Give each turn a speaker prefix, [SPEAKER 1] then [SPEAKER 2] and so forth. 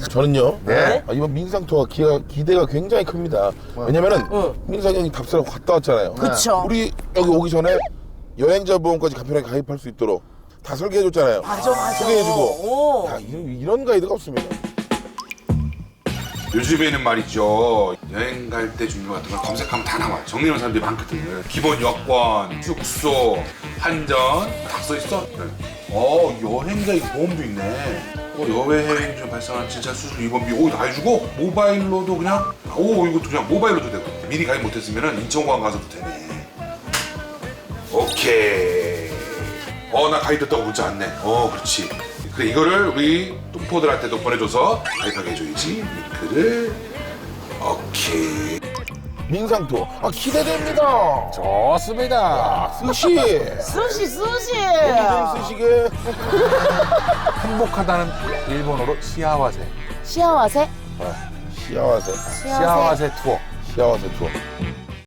[SPEAKER 1] 저는요.
[SPEAKER 2] 네.
[SPEAKER 1] 이번 민상 투어 기대가 굉장히 큽니다. 왜냐면은 민상 형이 답사를 갔다 왔잖아요.
[SPEAKER 3] 그쵸.
[SPEAKER 1] 우리 여기 오기 전에 여행자 보험까지 간편하게 가입할 수 있도록 다 설계해줬잖아요.
[SPEAKER 3] 맞아.
[SPEAKER 1] 소개해주고.
[SPEAKER 3] 오.
[SPEAKER 1] 야, 이런 가이드가 없습니다.
[SPEAKER 2] 요즘에는 말이죠, 여행 갈 때 중요 같은 걸 검색하면 다 나와요. 정리하는 사람들이 많거든. 기본 여권, 숙소, 한전 다 써있어. 여행자 이 보험도 있네. 여행 중 발생한 진짜 수술 입원비 다 해주고, 모바일로도 그냥 이것도 그냥 모바일로도 되고, 미리 가입 못했으면 인천공항 가서도 되네. 오케이. 나 가입됐다고 문자 왔네. 그렇지. 그래, 이거를 우리 뚱포들한테도 보내줘서 가입하게 해줘야지. 링크를. 오케이.
[SPEAKER 1] 민상 투어. 기대됩니다.
[SPEAKER 4] 좋습니다.
[SPEAKER 1] 스시.
[SPEAKER 3] 수시.
[SPEAKER 1] 좀 쓰시게.
[SPEAKER 4] 행복하다는 일본어로 시아와세.
[SPEAKER 3] 시아와세?
[SPEAKER 1] 시아와세.
[SPEAKER 4] 시아와세 투어.
[SPEAKER 1] 시아와세 투어.